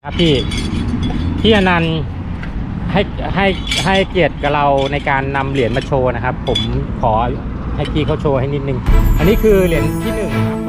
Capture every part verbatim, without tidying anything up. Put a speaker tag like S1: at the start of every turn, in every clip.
S1: ครับพี่พี่อนันต์ให้ให้ให้เกียรติกับเราในการนำเหรียญมาโชว์นะครับผมขอให้พี่เขาโชว์ให้นิดนึงอันนี้คือเหรียญที่หนึ่งครับ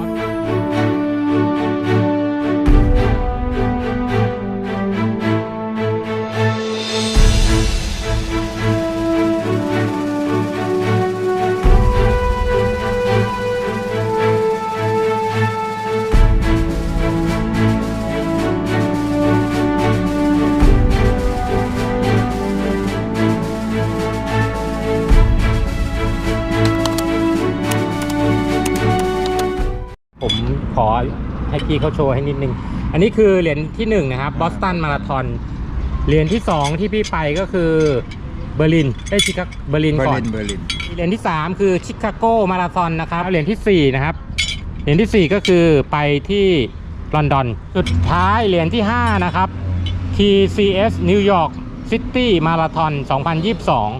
S1: ผมขอให้พี่เขาโชว์ให้นิดนึงอันนี้คือเหรียญที่หนึ่งนะครับบอสตันมาราธอนเหรียญที่สองที่พี่ไปก็คือเบอร์ลินได้ชิคาโกเบอร์ลินก่อน
S2: เบอร์ลิน
S1: เหรียญที่สามคือชิคาโกมาราธอนนะครับเหรียญที่สี่นะครับเหรียญที่สี่ก็คือไปที่ลอนดอนสุดท้ายเหรียญที่ห้านะครับ ที ซี เอส นิวยอร์กซิตี้มาราธอนสองพันยี่สิบสอง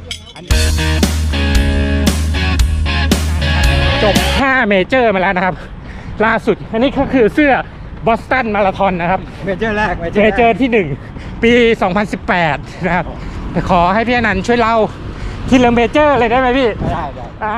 S1: จบห้าเมเจอร์มาแล้วนะครับล่าสุดอันนี้ก็คือเสื้อบอสตันมาราธอนนะครับ
S2: เมเจอร์แรก
S1: เมเจอร์ที่หนึ่งปีสองพันสิบแปดนะครับขอให้พี่อนันต์ช่วยเล่าทีละเมเจอร์เลยได้ไหมพี่
S2: ได้ได้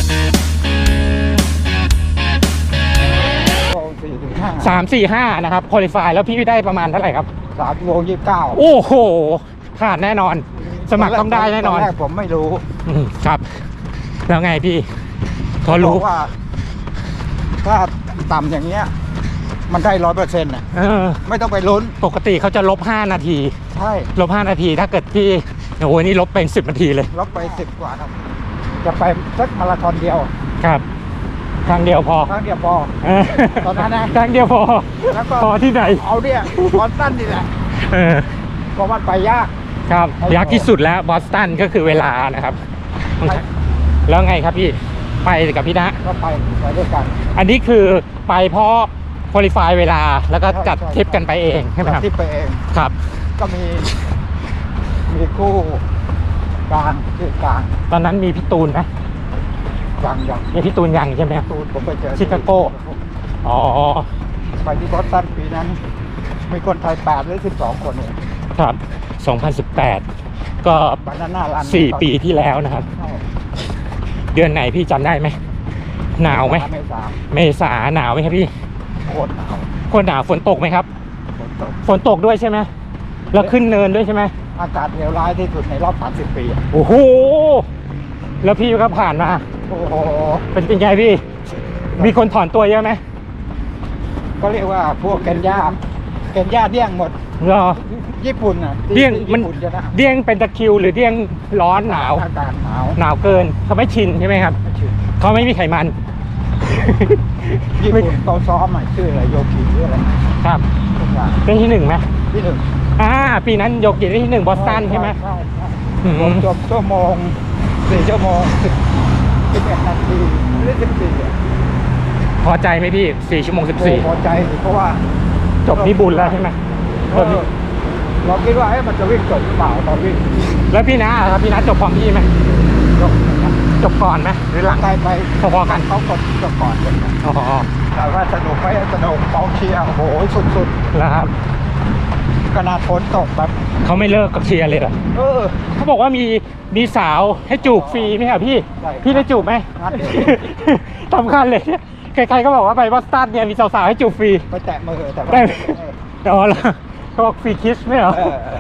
S1: สามสี่ห้านะครับคุริฟายแล้วพี่ได้ประมาณเท่าไหร่ครับ
S2: สามโมงยี่สิบเก้า
S1: โอ้โหขาดแน่นอนสมัครต้องได้แน่นอน
S2: แรกผมไม่รู้
S1: ครับแล้วไงพี่พอรู้
S2: ว่าถ้าต่ำอย่างเงี้ยมันได้ร้อยเปอร์เซ็นต์อ่ะไม่ต้องไปลุ้น
S1: ปกติเขาจะลบห้านาที
S2: ใช่
S1: ลบห้านาทีถ้าเกิดพี่โอ้ยนี่ลบเป็นสิบนาทีเลย
S2: ลบไปสิบกว่าครับจะไปสักมาราธอนเดียว
S1: ครับครั้งเดียวพอ
S2: ครั้งเดียวพอตอนนั้นนะ
S1: ครั้งเดียวพอแล้วก็พอที่ไหน
S2: เอาเนี่ยบอสตันนี่แหละเพราะมันไปยาก
S1: ครับยากที่สุดแล้วบอสตันก็คือเวลานะครับแล้วไงครับพี่ไปกับพี่นะ
S2: ก็ไปไปด้วยกัน
S1: อันนี้คือไปเพราะคุริฟายเวลาแล้วก็จัดทริปกันไปเองใช่ไหมครับ
S2: ทริปไปเอง
S1: ครับ
S2: ก็มีมีคู่กลางคือกลาง
S1: ตอนนั้นมีพี่ตูนไหม
S2: ยังยัง
S1: มีพี่ตูนยังใช่ไหม
S2: ตูนผมไปเจอ
S1: ชิคาโกอ๋อ
S2: ไปที่บอสตันปีนั้นมีคนไทยแปดหรือสิบสองคนเนี่ย
S1: ครับสองพันสิบแปดก็สี่ปีที่แล้วนะครับเดือนไหนพี่จำได้ไหมหนาวไหม
S2: เมษา
S1: เมษาหนาวไหมครับพี่
S2: โคตรหนาว
S1: โคตรหนาวฝนตกไหมครับ
S2: ฝนตก
S1: ฝนตกด้วยใช่ไหมแล้วขึ้นเนินด้วยใช่ไหม
S2: อากาศเลวร้ายที่สุดในรอบสามสิบปี
S1: โอ้โหแล้วพี่ก็ผ่านมา
S2: โอ้โห
S1: เป็นยังไงพี่มีคนถอนตัวเยอะไหม
S2: ก็เรียกว่าพวกเคนยาเคนยาเดี้ยงหมด
S1: รอ
S2: ญี่ปุ่นอ่ะ
S1: เดี้ยงมันเดี้ยงเป็นตะคิวหรือเดี้ยงร้อนหนาว
S2: อากาศหนาว
S1: หนาวเกินเขาไม่ชินใช่ไหมครับเขาไม่มีไขมัน
S2: ญี่ปุ่นเขาซ้อมใหม่ชื่ออะไรโยกิหรืออะไร
S1: ครับเป็นที่หนึ่งไหม
S2: ที่หนึ่ง
S1: อ่าปีนั้นโยกิได้ที่หนึ่งบอสตันใช่ไหม
S2: ใช่ใช่จบชั่วโมงสี่ชั่วโมงสิบสิบเอ็ดนาทีหรือสิบสี่
S1: พอใจไหมพี่สี่ชั่วโมงสิบสี่
S2: พอใจเพราะว่า
S1: จบนี่บุญแล้วใช่ไหม
S2: เราคิดว่ามันจะวิ่งจบหรือเปล่าตอนวิ่ง
S1: แล้วพี่นะครับพี่นะจบพร้อมพี่ไหมจบจบก่อนไหมหรือหลัง
S2: ไปไป
S1: พอๆกัน
S2: เขากดจบก่อนเลย
S1: อ๋อ
S2: แต่ว่าสนุกไหมสนุกกองเชียร์โอ้โหสุด
S1: ๆแล้วครับ
S2: ขนาดฝนตกแบบ
S1: เขาไม่เลิกกับเชียร์เลยเหรอ
S2: เออ
S1: เขาบอกว่ามีมีสาวให้จูบฟรีไหมครับพี่พี่ได้จูบไหมสำคัญเลยใครๆก็บอกว่าไปบอสตันเนี่ยมีสาวๆให้จูบฟรี
S2: ไปแตะมือแต่
S1: ไม่อ๋อเหรอเขาบอกฟรีคิสไม่เหรอ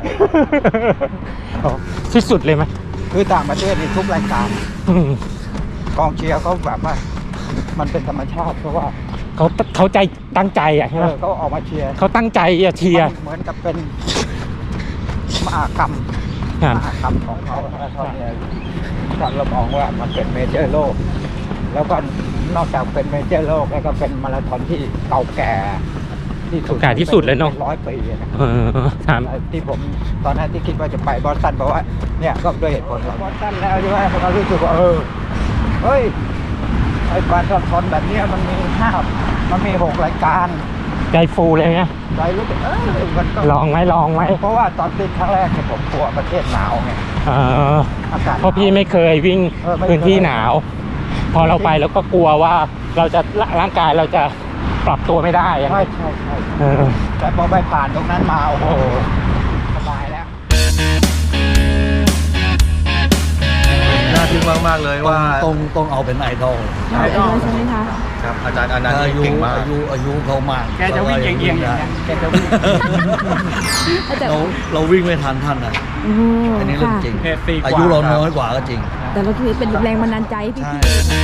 S1: ที่สุดเลยไหม
S2: คือต่างประเทศนี่ทุกรายการกองเชียร์เขาแบบว่ามันเป็นธรรมชาติเพราะว่า
S1: เขาเขาใจตั้งใจอ่ะใช่ไหม
S2: เขาออกมาเชียร์
S1: เขาตั้งใจอะเชียร์
S2: เหมือนกับเป็นมหากรรมมหากรรมของเขาเขาเนี่ยเรามองว่ามันเป็นเมเจอร์โลกแล้วก็นอกจากเป็นเมเจอร์โลกแล้วก็เป็นมาราธอนที่เก่าแก่ที่สุด
S1: แก่ที่สุดเลยเนาะ
S2: ร้อยปีนะ
S1: ที่
S2: ผมตอนนั้นที่คิดว่าจะไปบอสตันเพราะว่าเนี่ยก็ด้วยเหตุผลบอสตันแล้วใช่ไหมเรารู้สึกว่าเออเฮ้ยไอ้มาราธอนแบบนี้มันมีห้ามันมีหกรายการ
S1: ใจฟูเลยไง
S2: ใจรู้สึกเออมันก็
S1: ลองไหมลองไหม
S2: เพราะว่าตอนติดครั้งแรกเนี่ยผมกลัวประเทศหนาวไง
S1: อากาศเพราะพี่ไม่เคยวิ่งพื้นที่หนาวพอเราไปแล้วก็กลัวว่าเราจะร่างกายเราจะปรับตัวไม่ได้อะ
S2: ใช่ใช่ใช่
S1: เออ
S2: แต่พอไปผ่านตรงนั้นมาโอ้โหสบายแล้ว
S3: น่าทึ่งมากๆเลยว่า
S4: ต้องต้องเอาเป็นไอดอล
S2: ใช่ต้อง
S5: ใช่ไหมคะ
S3: ครับอาจารย์อนันต์
S4: อายุ
S3: เก่งมาก
S4: อายุอายุเขามาก
S2: แกจะวิ่งเอียงๆอย่างเงี้ยแกจะวิ่ง
S5: อาจารย์
S4: เราเราวิ่งไม่ทันท่านนะ
S5: โอ้โห
S4: อันนี้เรื่อง
S5: ค่ะ
S4: จริง
S2: เพจสี่กว่า
S4: อายุเราน้อยกว่าก็จริง
S5: แต่เราถือเป็นแรงบันดาลใจให้พี่
S4: ใช่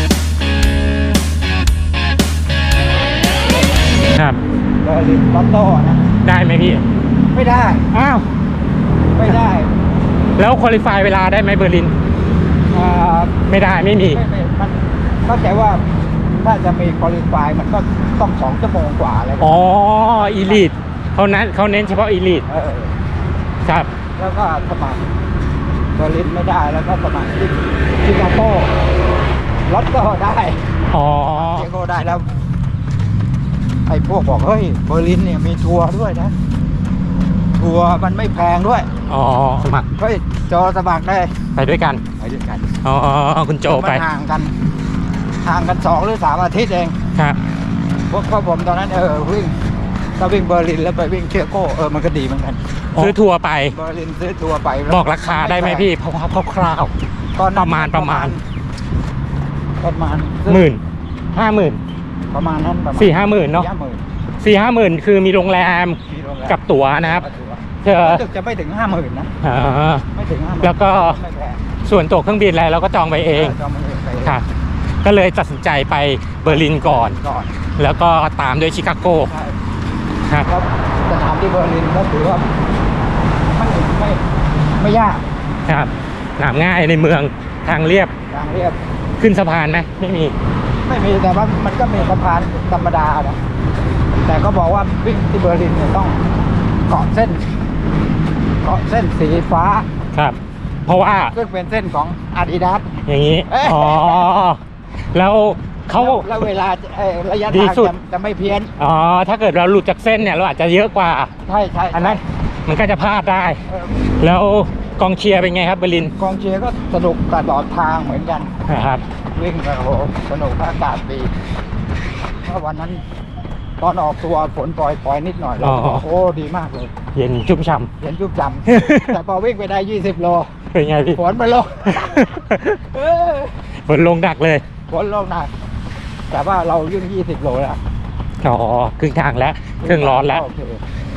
S1: ครับ
S2: เบอร์ลินลอตโต้นะ
S1: ได้ไหมพี่
S2: ไม่ได้
S1: อ้าว
S2: ไม่ได้
S1: แล้วคุริฟายเวลาได้ไหมเบอร์ลิน
S2: อ่า
S1: ไม่ได้ไม่มี
S2: ไม่ไม่มันเข้าใจว่าถ้าจะมีคอลิฟายมันก็ต้องสองชั่วโมงกว่าเลย
S1: อ๋ออีลิทเขานั้นเขาเน้นเฉพาะอีลิท
S2: เออ
S1: ครับ
S2: แล้วก็สมัครเบอร์ลินไม่ได้แล้วก็สมัครที่ชิคาโก้ลอตโต้ได้
S1: อ๋อ
S2: ชิคาโก้ได้แล้วไอ้พวกบอกเฮ้ยเบอร์ลินเนี่ยมีทัวร์ด้วยนะ ทัวร์มันไม่แพงด้วย
S1: อ๋อสมัคร
S2: เฮ้ยจอสมัครได้
S1: ไปด้วยกัน
S2: ไปด้วยกัน
S1: อ๋อคุณโจไป
S2: มันห่างกันห่างกันสองหรือสามอาทิตย์เอง
S1: ครับ
S2: พวกพวกผมตอนนั้นเออวิ่งถ้าวิ่งเบอร์ลินแล้วไปวิ่งเชียโก้เออมันก็ดีเหมือนกัน
S1: ซื้อทัวร์ไป
S2: เบอร์ลินซื้อทัวร์ไปแล้ว
S1: บอกราคาได้ไหมพี่เพราะว่าคร่าว
S2: ตอนนั้น
S1: ประมาณประมาณ
S2: ประมาณ
S1: ๆหมื่นห้าหมื่น
S2: ประมาณนั้นประมาณ
S1: สี่ห้าหมื่นเนาะ
S2: สี่ห้าหมื่น
S1: สี่ห้าหมื่นคือมีโรงแรม
S2: มีโรงแรม
S1: กับตั๋วนะครับเธอ
S2: รู้สึกจะไม่ถึงห้าหมื่นนะ
S1: อ่า
S2: ไม่ถึงห้าหมื่น
S1: แล้วก็
S2: ไม่แพง
S1: ส่วนตั๋วเครื่องบินอะไรเราก็จองไปเอง
S2: จองมาเองไปเอง
S1: ค่ะ ก็เลยตัดสินใจไปเบอร์ลินก่อน
S2: ก่อน
S1: แล้วก็ตามด้วยชิคาโก
S2: ใช่
S1: ครับ
S2: แล้วสถานที่เบอร์ลินก็ถือว่าไม่ไม่ไม่ยาก
S1: ครับหนามง่ายในเมืองทางเรียบ
S2: ทางเรียบ
S1: ขึ้นสะพานไหมไม่มี
S2: ไม่มีแต่ว่ามันก็มีสะพานธรรมดานะแต่ก็บอกว่าวิ่งที่เบอร์ลินเนี่ยต้องเกาะเส้นเกาะเส้นสีฟ้า
S1: ครับ เพราะว่า
S2: ซึ่งเป็นเส้นของ Adidas
S1: อย่างนี้
S2: เอ๊ะ
S1: อ๋อแล้วเขา
S2: แล้วแล้วเวลาเอ่อระยะ
S1: ดี
S2: ทาง
S1: สุด
S2: จะจะไม่เพี้ยน
S1: อ๋อถ้าเกิดเราหลุดจากเส้นเนี่ยเราอาจจะเยอะกว่า
S2: ใช่ใช่
S1: อันนั้นมันก็จะพลาดได้
S2: เออ
S1: แล้วกองเชียร์เป็นไงครับเบอร์ลิน
S2: กองเชียร์ก็สนุกตลอดทางเหมือนกัน
S1: นะครับ
S2: วิ่งกันโอ้โหสนุกอากาศดีเพราะวันนั้น ตอนออกตัวฝนปล่อยปล่อยนิดหน่อยแล้วโอ้ดีมากเลย
S1: เย็นชุ่มฉ่
S2: เห็นจุบจำ แต่พอวิ่งไปได้ยี่สิบโล
S1: ำเป็นไงพี่
S2: ฝนมันลง เออ
S1: ฝนลงดักเลย
S2: ฝนลงหนักแต่ว่าเรายื่นยี่สิบโลแล้ว
S1: อ๋อครึ่งทางแล้วเครื่องร้อนแล้ว
S2: โเค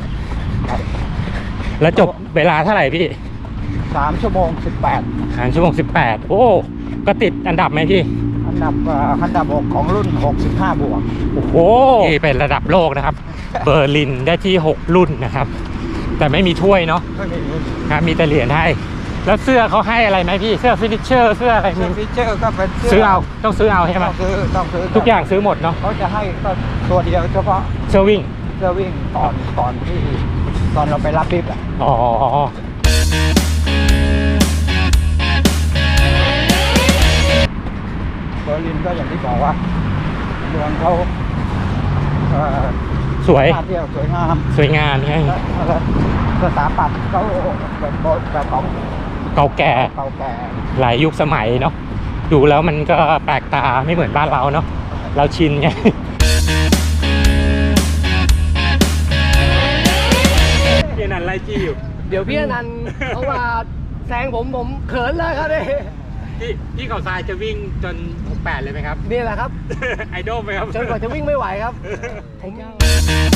S1: แล้วจบเวลาเท่าไหร่พี่
S2: สามชั่วโมงสิบแปด
S1: หางชั่วโมงสิบแปดโอ้ก็ติดอันดับไหมพี่
S2: อันดับเอ่ออันดับหกของรุ่นหกสิบห้าบวก
S1: โอ้โหนี่เป็นระดับโลกนะครับ เบอร์ลินได้ที่หกรุ่นนะครับ แต่ไม่มีถ้วยเนาะ
S2: ไม่มี
S1: ครับมีแต่เหรียญให้ แล้วเสื้อเขาให้อะไรไหมพี่ เสื้อฟินิชเชอร์เสื้ออะไร
S2: เสื้
S1: มี
S2: อฟีเจอร์ก็เป็น
S1: ซื้อเอาต้องซื้อเอาใช่ไหม
S2: ต้องซื้อต้องซื้อ
S1: ทุกอย่างซื้อหมดเนาะ
S2: เขาจะให้ก็ตัวเดียวเฉพาะ
S1: เสื้อวิ่ง
S2: เสื้อวิ่งตอนตอนที่ตอนเราไปรับบิบอ่ะ
S1: อ๋อ
S2: เบอร์ลินก็อย่างที่บอกว่าเมืองเขาเอ่อ
S1: สวย
S2: น่าเที่ยวสวยงาม
S1: สวยงามใช่
S2: และและสถาปัตย์เขาแบบโบแบบของ
S1: เก่าแก่
S2: เก่าแก่
S1: หลายยุคสมัยเนาะดูแล้วมันก็แปลกตาไม่เหมือนบ้านเราเนาะเราชินไง เพียนันไล่จี้อยู่
S6: เดี๋ยวพี่อนันต์เขามาแซงผมผมเขินเลยครับนี่
S1: พี่พี่เขาทรายจะวิ่งจนหกแปดเลยไหมครับ
S6: นี่แหละครับ
S1: ไอดอลไหมครับ
S6: จนกว่าจะวิ่งไม่ไหวครับผม
S2: เบอร์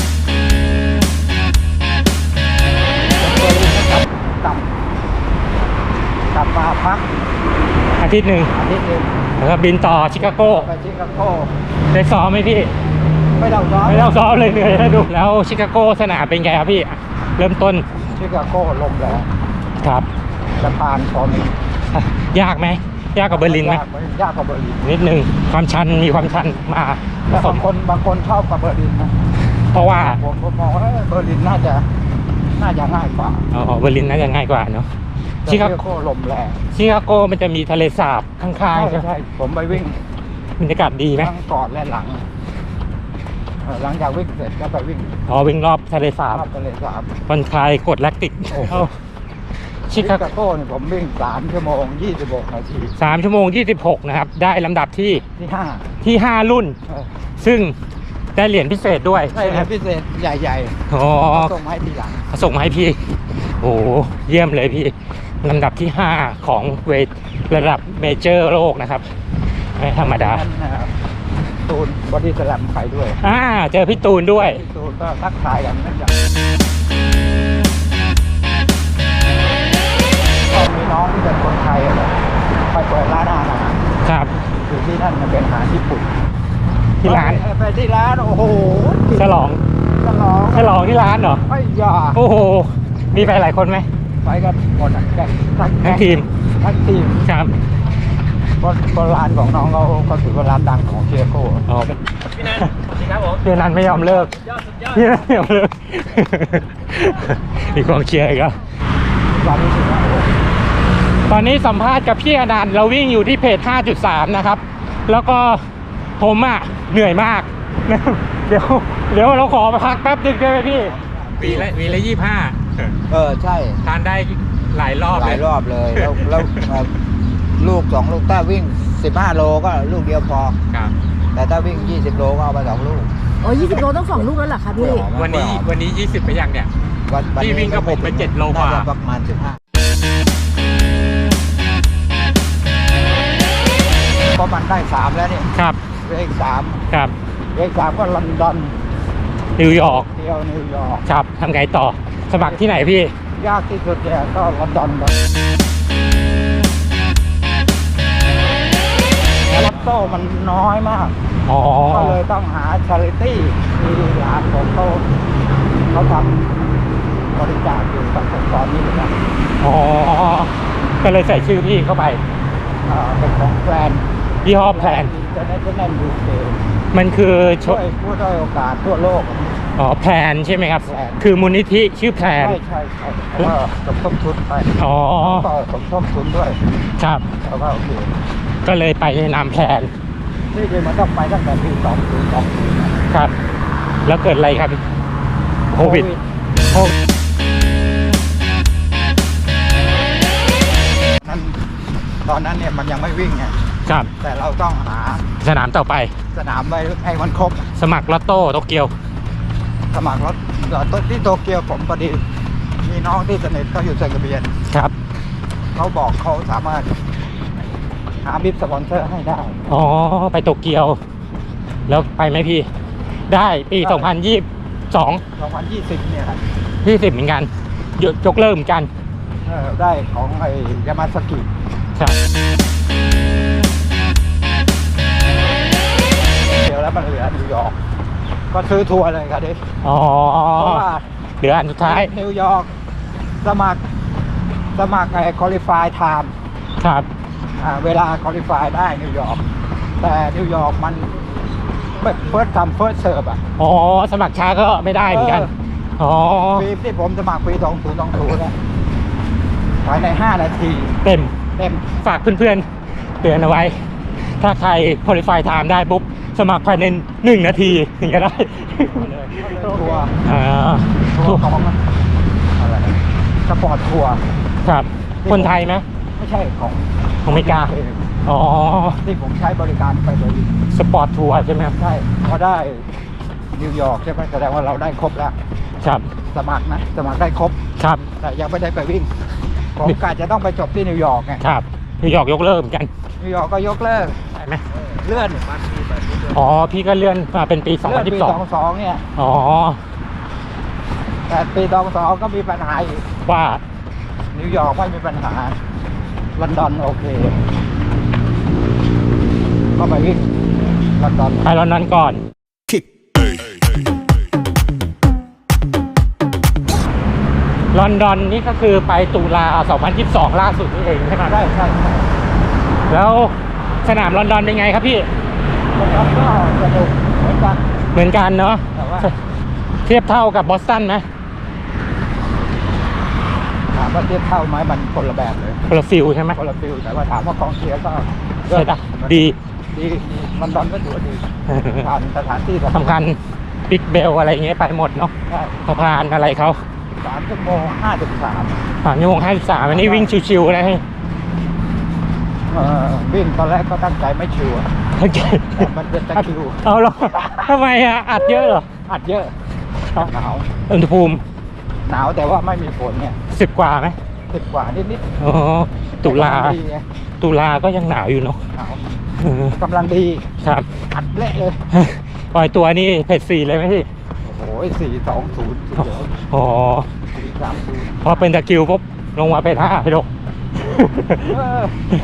S2: ลินนะครับกลับกลับมาพัก
S1: อาทิตย์หนึ่ง
S2: อาทิตย์หนึง
S1: แล้วก็บินต่อชิคาโก
S2: ไปชิคาโก้
S1: ได้ซ้อมไหมพี่
S2: ไม่ต้องซ้อม
S1: ไม่ต้องซ้อมเลยเหนื่อยนะดูแล้วชิคาโกสนามเป็นไงครับพี่ เริ่มต้น
S2: ชิคาโก้ลมแรง
S1: ครับ
S2: สะพานพอมี
S1: ยากไหมยากกว่าเบอร์ลินไหม
S2: ยากยากกว่าเบอร์ลิน
S1: นิดนึงความชันมีความชันมาผ
S2: แต่
S1: ส
S2: บาม งคนบางคนชอบกับเบอร์ลินนะ
S1: เพราะว่า
S2: ผมผมมองว่าเอ้ยเบอร์ลินน่าจะน่าจะง่ายกว่า
S1: อ๋อเบอร์ลินน่าจะง่ายกว่าเนาะ
S2: แต่
S1: ชิคา
S2: โก้ลมแรง
S1: ชิคาโกมันจะมีทะเลสาบข้างๆใช่ไหม
S2: ใช่ผมไปวิ่ง
S1: บรรยากาศดีไหม
S2: ทั้งก่อนและหลังเอ่อหลังจากวิ่งเสร็จก็ไปวิ่ง
S1: อ๋อวิ่งรอบทะเลสาบ
S2: รอบทะเลสาบ
S1: ผ่อนคลายกดแลคติก
S2: โอ้โห
S1: ชิ
S2: ชิ
S1: คา
S2: คาโก้เนี่ยผมวิ่งสามชั่วโมงยี่สิบหกนาที
S1: สามชั่วโมงยี่สิบหกนะครับ ได้ลำดับที่
S2: ที่ห้า
S1: ที่ห้ารุ่น
S2: เออ
S1: ซึ่งได้เหรียญพิเศษด้วย
S2: ได้เหรียญพิเศษใหญ่
S1: อ๋อ
S2: ๆเขาส่งมาให้ทีหลัง
S1: ส่งมาให้พี่ โอ้โหเยี่ยมเลยพี่ลำดับที่ห้าของเวทระดับเมเจอร์โลกนะครับไม่ธรรมดา
S2: นั่นนะครับตูนบอดี้สแลมไปด้วย
S1: อ่าเจอพี่ตูนด้วย
S2: พี่ตูนก็ทักทายกันนั่นอย่างก็มีน้องที่เป็นคนไทยอะนะไปเปิดร้านอาหาร
S1: ครับ
S2: อยู่ที่นั่นมันเป็นอาหารญี่ปุ่น
S1: ที่ร้าน
S2: ไปไปที่ร้านโอ้โห
S1: ฉลอง
S2: ฉลอง
S1: ฉลองที่ร้านเหรอ
S2: ไม่ยา
S1: โอ้โหมีไปหลายคนไหม
S2: ไปกันหมดอะแกงทั้ง
S1: ทั้งทีม
S2: ทั้งทีม
S1: ครับ
S2: เพราะเพราะร้านของน้องเขาเขาถือว่าร้านดังของเชียโก้
S1: อ๋อ
S6: พี่นันสวัสดีครับผม
S1: พี่นันไม่ยอมเลิก
S6: ยอดสุดยอด
S1: พี่นันไม่ยอมเลิก มีกองเชียร์อีกแล้ว
S2: ร้านนี้ถือว่าโอ้โห
S1: ตอนนี้สัมภาษณ์กับพี่อนันต์เราวิ่งอยู่ที่เพจ ห้าจุดสาม นะครับ แล้วก็ผมอ่ะเหนื่อยมาก เดี๋ยว เดี๋ยวเราขอพักแป๊บนึงได้ไหมพี่วีละวีละยี่ห้า
S2: เออใช่
S1: ทานได้หลายรอบ
S2: ห
S1: เล
S2: ลาย ยรอบเลย แล้วแล้วเอ่อลูกสองลูกถ้าวิ่งสิบห้าโลก็ลูกเดียวพอ
S1: ครับ
S2: แต่ถ้าวิ่งยี่สิบโลก็เอาไปสองลูก
S5: โอ้ยี่สิบโลต้องสองลูกแล้วเหรอคะพี่
S1: วันนี้วันนี้ยี่สิบไปยังเนี่ย
S2: วันวัน
S1: พี่
S2: นี้
S1: วิ่งกับผมไปเจ็ดโลกว่า
S2: น่จะประมาณสิบห้าเพราะมันได้สามแล้วนี่
S1: ครับ
S2: เลขสาม
S1: ครับ
S2: เลขสามก็ลอนดอน
S1: นิวยอร์ก
S2: เที่ยวนิวยอร์ก
S1: ครับทำไงต่อ สมัครที่ไหนพี่
S2: ยากที่สุดเนี่ยก็ลอนดอนครับแล้วลอตโต้มันน้อยมาก
S1: อ๋อ
S2: ก็เลยต้องหาชาริตี้ที่ร้านของเขาเขาทำบริจาคอยู่กับตอนนี้นะ
S1: อ๋อ ก็เลยใส่ชื่อพี่เข้าไป
S2: เอ่อเป็นของแฟน
S1: ยี่ห้อแพลน
S2: จะได้จะแน่นยูเค
S1: มันคือช
S2: ช่วยผู้ด้อยโอกาสทั่วโลก
S1: อ๋อแพลนใช่ไหมครับ
S2: แพลน
S1: คือมูลนิธิชื่อแพลน
S2: ใช่ใช่ใช่แล้วก็สมทบทุนไป
S1: อ๋อ
S2: ก็สมทบทุนด้วย
S1: ครับ
S2: แล้วก็โอเค
S1: ก็เลยไปในนามแพลน
S2: ที่จริงมันต้องไปตั้งแต่ปีสองปีสองปี
S1: ครับ แล้วเกิดอะไรครับโควิดโควิด
S2: นั้นตอนนั้นเนี่ยมันยังไม่วิ่งไง
S1: ครับ
S2: แต่เราต้องหา
S1: สนามต่อไป
S2: สนามไว้ให้มันครบ
S1: สมัครลอตโต้โตเกียว
S2: สมัครรถที่โตเกียวผมพอดีมีน้องที่สนิทเขาอยู่เซนกระเบียน
S1: ครับ
S2: เขาบอกเขาสามารถหาบิฟสปอนเซอร์ให้ได้
S1: อ๋อ ไปโตเกียว แล้วไปไหมพี่ ได้ปี
S2: ได้
S1: สองพันยี่สิบสอง
S2: สองพันยี่สิบเนี่ยครับ
S1: ยี่สิบเหมือนกันยกยกเลิกเหมือนกัน
S2: เออได้ของไอ้ยามาสกิ
S1: ครับ
S2: เดี๋ยวแล้วมันเหลือนิวยอร์กก็ซื้อทัวร์เลยครับดิ
S1: อ๋อ
S2: เพราะว่า
S1: เหลืออันสุดท้าย
S2: นิวยอร์กสมัครสมัครไอ้คอลิฟายไทม์
S1: ครับ
S2: เวลาคอลิฟายได้นิวยอร์กแต่นิวยอร์กมันเฟิร์สคัมเฟิร์สเซิร์ฟอ่ะ
S1: อ๋อ สมัครช้าก็ไม่ได้เหมือนกัน อ๋อ
S2: ปีที่ผมสมัครปีสองศูนย์สองศูนย์เนี่ยภายในห้านาที
S1: เต็ม
S2: เต็ม
S1: ฝากเพื่อนๆเตือนเอาไว้ ถ้าใคร qualify time ได้ปุ๊บ สมัครภายในหนึ่งนาทีถึงจะได้
S2: ทัวร์
S1: อ่า
S2: ทัวร์ของอะไรสปอร์ตทัวร์
S1: ครับ คนไทยไหม
S2: ไม่ใช่ของ
S1: ของอเมริกา อ๋อ
S2: ที่ผมใช้บริการไปโดย
S1: สปอร์ตทัวร์ใช่ไหมครับ
S2: ใช่พอได้นิวยอร์กใช่ไหมแสดงว่าเราได้ครบแล้ว
S1: ครับ
S2: สมัครนะสมัครได้ครบ
S1: ครับ
S2: แต่ยังไม่ได้ไปวิ่งผมกะจะต้องไปจบที่นิวยอร์กไง
S1: ครับนิวยอร์กยกเลิกเหมือนกัน
S2: นิวยอร์กก็ยกเลิก
S1: ได้ไหม
S2: เลื่อน
S1: อ๋อ พี่ก็เลื่อนมาเป็นปี สอง
S2: เลื่
S1: พั
S2: อน น
S1: ยี่
S2: ปี
S1: สิบสอง
S2: สองสองเนี่ย
S1: อ๋อ
S2: แต่ปีสองสองก็มีปัญหาอีก
S1: ว่า
S2: นิวยอร์กไม่มีปัญหาลอนดอนโอเคก็ไปวิ่งลอนดอน
S1: ไปลอนดอนก่อน ลอนดอนนี่ก็คือไปตุลาสองพันยี่สิบสองล่าสุดนี่เองใช่ไหม
S2: ใช่ใช่ใช่
S1: แล้วสนามลอนดอนเป็นไงครับพี่
S2: ลอนดอนก็สนุกเหมือนกัน
S1: เหมือนกันเนาะ
S2: แต่ว่า
S1: เทียบเท่ากับบอสตันไหม
S2: ถามว่าเทียบเท่าไหมมันคนละแบบเลย
S1: คนละฟิลใช่ไหม
S2: คนละฟิลแต่ว่าถามว่ากองเชียร์ก็
S1: ใช่ปะดี
S2: ดีดีลอนดอนก็ถือว่าดีผ่านสถานที่
S1: สำคัญบิ๊กเบลอะไรอย่างเงี้ยไปหมดเนาะ
S2: ใช่
S1: สะพานอะไรเขา
S2: สามชั่วโมงห้าสิบสาม
S1: ผ่านชั่วโมงห้าสิบสามอันนี้วิ่งชิวๆนะ
S2: เออวิ่งตอนแรกก็ตั้งใจไม่ชิวอะ
S1: โอเค
S2: แต่มันเป็นตะคริว
S1: เอาเหรอทำไมอ่ะอัดเยอะเหรอ
S2: อัดเยอะหนาว
S1: อุณหภูมิ
S2: หนาวแต่ว่าไม่มีฝนเนี่ย
S1: สิบกว่าไหม
S2: สิบกว่านิด
S1: อ๋อ
S2: ๆ
S1: ตุลา
S2: กำงดีไง
S1: ตุลาก็ยังหนาวอยู่เนาะ
S2: หนาว
S1: เออก
S2: ำลังดี
S1: ครับ
S2: อัดเละเลย
S1: ปล่อยตัวนี่เพจสี่เลยไหมพี่
S2: โอ้โหสี่สองศูนย์
S1: อ๋อ
S2: สี่สามศูนย์
S1: พอเป็นตะคริวปุ๊บลงมาเป็นห้าพี่ดก
S2: เออ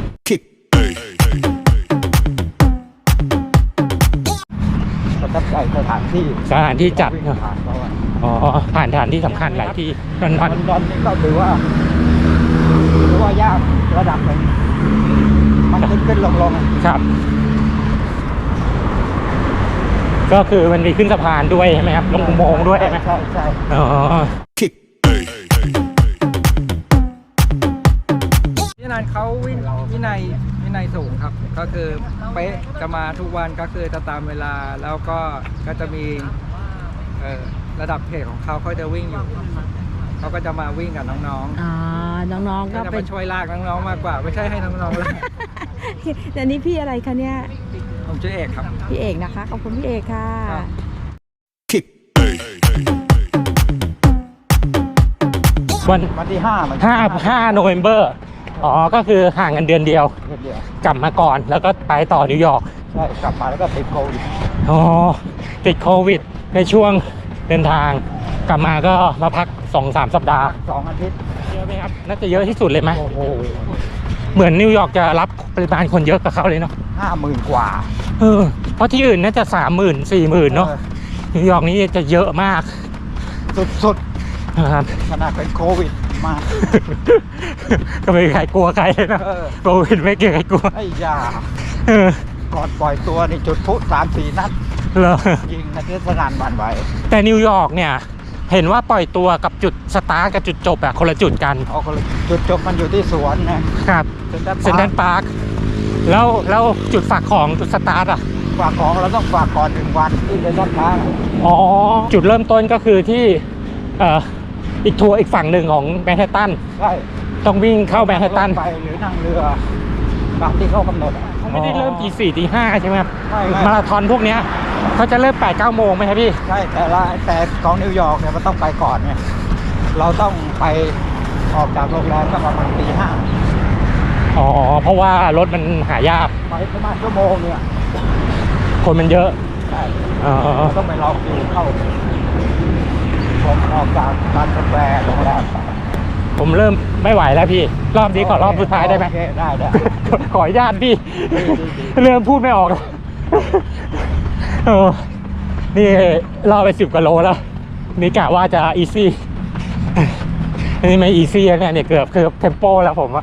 S2: ประทับใจสถานที่
S1: สถานที่จัด
S2: วิ่ง
S1: เนอะ
S2: ผ่านเขาอะ
S1: อ๋อ ผ่านสถานที่สำคัญหลายที่ลอนด
S2: ล
S1: อ
S2: อน นดอนนี่ก็ถือว่าถือว่ายากระดับหนึ่งมันขึ้นขึ้นลงลง
S1: ครับ ก็คือมันมีขึ้นสะพานด้วยใช่ไหมครับ ลงอุโมงค์ด้วยใช่ไหม
S2: ใช่ใช่
S1: อ๋อ
S7: พี่นันเขาวิวินัยวินัยสูงครับ ก็คือเป๊ะจะมาทุกวันก็คือจะตามเวลาแล้วก็ก็จะมีเอ่อระดับเพจของเขาเขาจะวิ่งอยู่เขาก็จะมาวิ่งกับน้อง
S5: อ่าน้อง
S7: ๆ
S5: ๆ
S7: ก็
S5: ก็
S7: จะ
S5: เป็
S7: มาน ช่วยลากน้องๆมากกว่า ไม่ใช่ให้น้องๆลาก
S5: แต่นี้พี่อะไรคะเนี่ย
S7: ผมชื่อเอกครับ
S5: พี่เอกนะคะ ขอบคุณพี่เอกค่ะ
S7: ครับ
S1: วัน
S2: วันที่ห้ามัน
S1: ห้าห้าโนเวมเบอร์อ๋อ ก็คือห่างกันเดือนเดียว
S2: เดือนเดียว
S1: กลับมาก่อนแล้วก็ไปต่อนิวยอร์ก
S2: ใช่กลับมาแล้วก็ติดโควิด
S1: อ๋อ ติดโควิดในช่วงเดินทาง กลับมาก็มาพักสองสามสัปดาห์
S2: สองอาทิตย์
S1: เยอะไหมครับ น่าจะเยอะที่สุดเลยไหม
S2: โอ้โห
S1: เหมือนนิวยอร์กจะรับปริมาณคนเยอะกับเขาเลยเนาะ
S2: ห้าหมื่นกว่า
S1: เออ เพราะที่อื่นน่าจะสามหมื่นสี่หมื่นเนาะ
S2: ออ
S1: นิวยอร์กนี้จะเยอะมาก
S2: สุด
S1: นะครับ
S2: ๆขนาดเป็นโควิดมา
S1: ก็ไม่มีใครกลัวใครเลยนะ
S2: เออ
S1: โควิดไม่เกี่ยวใครกลัว
S2: ไอ้ยา
S1: เออ
S2: ก่อนปล่อยตัวนี่จุดพลุสามสี่นัด
S1: เหรอ
S2: ยิงนะที่สนานบันไหว
S1: แต่นิวยอร์กเนี่ย เห็นว่าปล่อยตัวกับจุดสตาร์ทกับจุดจบอะคนละจุดกัน
S2: เอาคนละจุดจบมันอยู่ที่สวนนะครับ
S1: เซนทรัลพาร์ค แล้วแล้วจุดฝากของจุดสตาร์ทอะ
S2: ฝากของเราต้องฝากก่อนหนึ่งวันที่เซนทรัลพาร์ค
S1: อ๋อ จุดเริ่มต้นก็คือที่เอ่ออีกทัวร์อีกฝั่งหนึ่งของแมนฮัตตัน
S2: ใช่
S1: ต้องวิ่งเข้าแมนฮัตตัน
S2: รถไฟหรือนั่งเรือตามที่เขากำหนดอะ
S1: เขาไม่ได้เริ่มตีสี่ตีห้าใช่ไหมครับ
S2: ไม่ไม่
S1: มาราธอนพวกเนี้ยเขาจะเริ่มแปดเก้าโมงไหมครับพี่
S2: ใช่แต่ละแต่ของนิวยอร์กเนี่ยมันต้องไปก่อนเนี่ยเราต้องไปออกจากโรงแรมก็ประมาณตีห้า
S1: อ๋อ เพราะว่ารถมันหายาก
S2: ไปประมาณชั่วโมงเนี่ย
S1: คนมันเยอะ
S2: ใช่
S1: อ๋อ
S2: เราต้องไปรอคิวเข้าผมออกจากร้านกาแฟโรงแรม
S1: ผมเริ่มไม่ไหวแล้วพี่ รอบนี้ขอรอบสุดท้ายได้ไหม
S2: โอเคได้ได้
S1: ขออนุญาตพี่
S2: ดีดีดี
S1: เริ่มพูดไม่ออกแล้วเออนี่รอไปสิบกว่าโลแล้ว นี่กะว่าจะอีซี่อันนี้ไม่อีซี่แล้วเนี่ยเนี่ยเกือบเกือบเทมโปแล้วผมอะ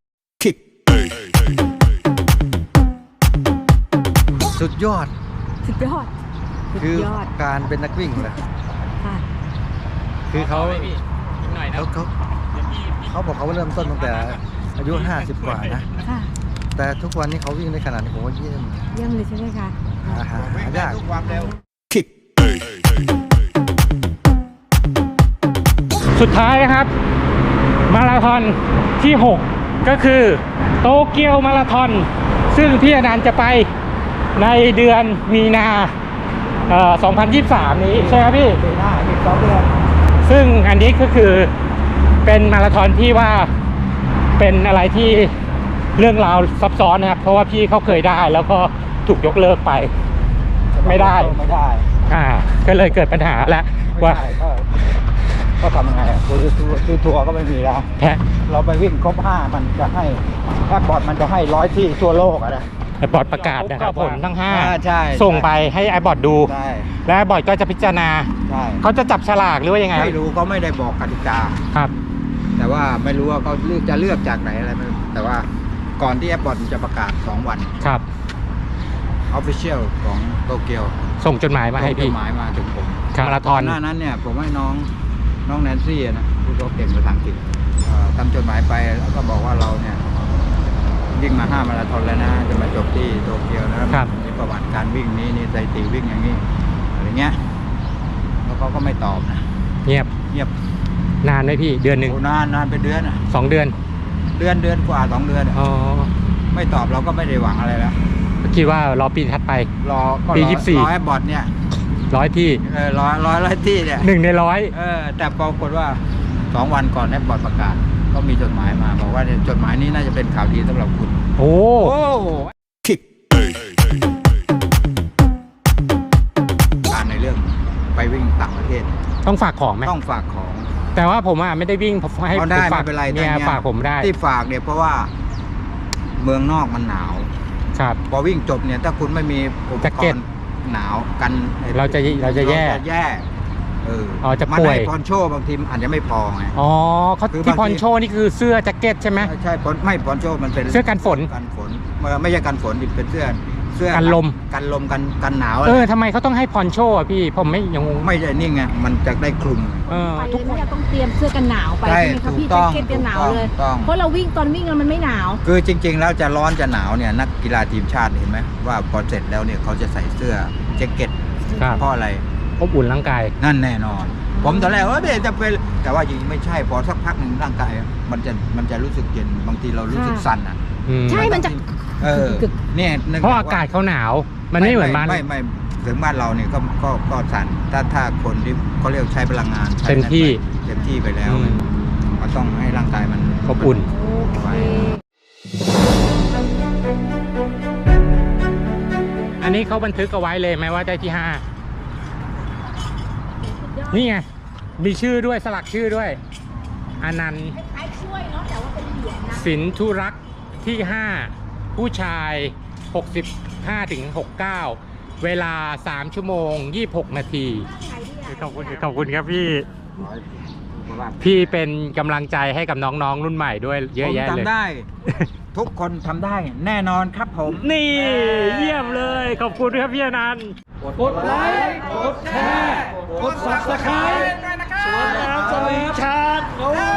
S3: สุดยอด
S5: สุดยอด สุด
S3: คือย
S5: อด
S3: การเป็นนักวิ่งเลย
S5: ค่ะ
S3: คือเขา
S1: หน่อยนะ
S3: เขาเขาเขาบอกเขาเริ่มต้นตั้งแต่อายุห้าสิบกว่านะ
S5: ค่ะ
S3: แต่ทุกวันนี้เขาวิ่งได้ขนาดนี้ผมว่าเยี่ยม
S5: เยี่ยมเลยใช่ไหมคะ
S3: หาหาหายาก
S1: สุดท้ายนะครับ มาราธอนที่หกก็คือโตเกียวมาราธอน ซึ่งพี่อนันต์จะไปในเดือนมีนาเอ่อสองพันยี่สิบสามนี้ใช่ไหมพี่
S2: ปีหน้าอีกสองเดือน
S1: ซึ่งอันนี้ก็คือเป็นมาราธอนที่ว่าเป็นอะไรที่เรื่องราวซับซ้อนนะครับ เพราะว่าพี่เขาเคยได้แล้วก็ถูกยกเลิกไป ไม่ได้
S2: ไม่ได้
S1: อ่า ก็เลยเกิดปัญหาแล้ว
S2: ไม่
S1: ว่า
S2: ได้ก็ก็ทำยังไงอะคือทัวร์คือทัวร์ก็ไม่มีแล้ว
S1: แพ้
S2: เราไปวิ่งครบห้ามันจะให้แอปบอร์ดมันจะให้ร้อยที่ทั่วโลกอะนะ
S1: ไอบอร์ดประกาศนะครับผลทั้งห้า
S2: อ่าใช่
S1: ส่งไปให้ไอบอร์ดดู
S2: ใช่
S1: และไอบอร์ดก็จะพิจารณา
S2: ใช่
S1: เขาจะจับฉลากหรือว่ายังไง
S2: ไม่รู้เขาไม่ได้บอกกติกา
S1: ครับ
S2: แต่ว่าไม่รู้ว่าเขาเลือกจะเลือกจากไหนอะไรไม่รู้แต่ว่าก่อนที่แอปบอร์ดจะประกาศสองวัน
S1: ครับ
S2: Official ของโตเกียว
S1: ส่งจดหมายมาให้
S2: ส่งจ
S1: พี่
S2: ดหมายมาถึงผม
S1: ครับมาราธอน
S2: หน้านั้นเนี่ยผมให้น้องน้องแนนซี่อะนะที่เขาเก่งภาษาอังกฤษเอ่อทำจดหมายไปแล้วก็บอกว่าเราเนี่ยวิ่งมาห้ามาราธอนแล้วนะจะมาจบที่โตเกียวนะครับ มีประวัติการวิ่งนี้นี่สถิติวิ่งอย่างนี้อะไรเงี้ยแล้วเขาก็ไม่ตอบนะ
S1: เงียบ
S2: เงียบ
S1: นานไหมพี่ เดือนหนึ่ง
S2: โอ้นานนานเป็นเดือนอะ
S1: สองเดือน
S2: เดือนเดือนกว่าสองเดือนอะ
S1: อ๋อ
S2: ไม่ตอบเราก็ไม่ได้หวังอะไรแล้ว
S1: คิดว่ารอปีถัดไป
S2: รอก็
S1: ปี
S2: รอ
S1: ยี่สิบสี่
S2: รอให้บอทเนี่ย
S1: ร้อยที่
S2: เออร้อยร้อยร้อยที่เนี่ย
S1: หนึ่งในร้อย
S2: เออแต่ปรากฏว่าสองวันก่อนให้บอทประกาศก็มีจดหมายมาบอกว่าเนี่ยจดหมายนี้น่าจะเป็นข่าวดีสำหรับคุณ
S1: โอ้
S2: โอ้การในเรื่องไปวิ่งต่างประเทศ
S1: ต้องฝากของไหม
S2: ต้องฝากของ
S1: แต่ว่าผมอ่ะไม่ได้วิ่งผมให้
S2: เอาได้
S1: ผมฝาก
S2: ไม่เป็นไร
S1: เมีย
S2: แต่เนี่ย
S1: ฝากผมได้
S2: ที่ฝากเนี่ยเพราะว่าเมืองนอกมันหนาว
S1: ครับ
S2: พอวิ่งจบเนี่ยถ้าคุณไม่มีอุป
S1: แจ็ค
S2: ก
S1: เก็ต
S2: รณ์หนาวกัน
S1: เราจะเราจะแย่
S2: เราจะแย่เออ
S1: อ๋อจะ
S2: มัน
S1: ป่วย
S2: ให้พรโชว์บางทีอาจจะไม่พอไง
S1: อ๋อเขา
S2: คือบางที
S1: ที่พอนโชนี่คือเสื้อแจ็คเก็ตใช่ไหม
S2: ใช่ใช่พรไม่พรโชว์มันเป็น
S1: เสื้อกันฝน
S2: กันฝนเออไม่ใช่กันฝนดิเป็นเสื้อเสื้อ
S1: กันลม
S2: กันลมกันกันหนาว
S1: เออทำไไมเขาต้องให้พอนโชอ่ะพี่ผมไม่ยังงง
S2: ไม่ใช่นี่ไงมันจะได้คลุม
S1: เออ
S5: ไป
S1: ทุก
S5: เลยเนี่ยต้องเตรียมเสื้อกันหนาวไป
S2: ใช่
S5: ใช่ไหมคะพี่
S2: ถูกต้
S5: แจ็
S2: อง
S5: คเก็ตกันหนาวเลย
S2: ถูกต้อง
S5: เพราะเราวิ่งตอนวิ่งแล้วมันไม่หนาว
S2: คือจริง ๆ แล้วจะร้อนจะหนาวเนี่ยนักกีฬาทีมชาติเห็นไหมว่าพอเสร็จแล้วเนี่ยเขาจะใส่เสื้อแจ็คเก็ต
S1: ครับ
S2: เพราะอะไร
S1: อบอุ่นร่างกาย
S2: นั่นแน่นอน ผมตอนแรกว่าเดี๋ยวจะเป็นแต่ว่าจริงๆไม่ใช่พอสักพักหนึ่งร่างกายมันจะมันจะรู้สึกเย็นบางทีเรารู้สึก
S5: ค่ะ
S2: สั่นอ่ะ
S1: อืม
S5: ใช่มันจะ
S2: เออเนี่ยนึ
S1: เพราะอากาศเขาหนาว มันไม่เหมือนบ้าน
S2: ไม่ไม่ถึงบ้านเราเนี่ยก็ก็ก็สั่นถ้าถ้าคนที่เขาเรียกใช้พลังงานใช้
S1: เต็มที่
S2: เต็มที่ไปแล้ว
S1: อืม
S2: มันต้องให้ร่างกายมัน
S1: อบอุ่น
S5: โอเค
S1: อันนี้เขาบันทึกเอาไว้เลยไหมว่าได้ที่ห้านี่ไงมีชื่อด้วยสลักชื่อด้วยอนันต์
S5: คล้ายช่วยเนาะแต่ว่าเป็นเหรียญนะ
S1: สินธุรักษ์ที่ห้าผู้ชายหกสิบห้าถึงหกสิบเก้าเวลาสามชั่วโมงยี่สิบหกนาทีขอบคุณขอบคุณครับพี่ พี่เป็นกำลังใจให้กับน้องๆรุ่นใหม่ด้วยเยอะแยะ
S2: ผม
S1: เลย
S2: ทำได้ ทุกคนทำได้แน่นอนครับผม
S1: นี่เยี่ยมเลยขอบคุณครับพี่อนันต์
S7: กดไลค์กดแชร์กด ซับสไครบ์ส่วนน้ำสลิงชาร์จ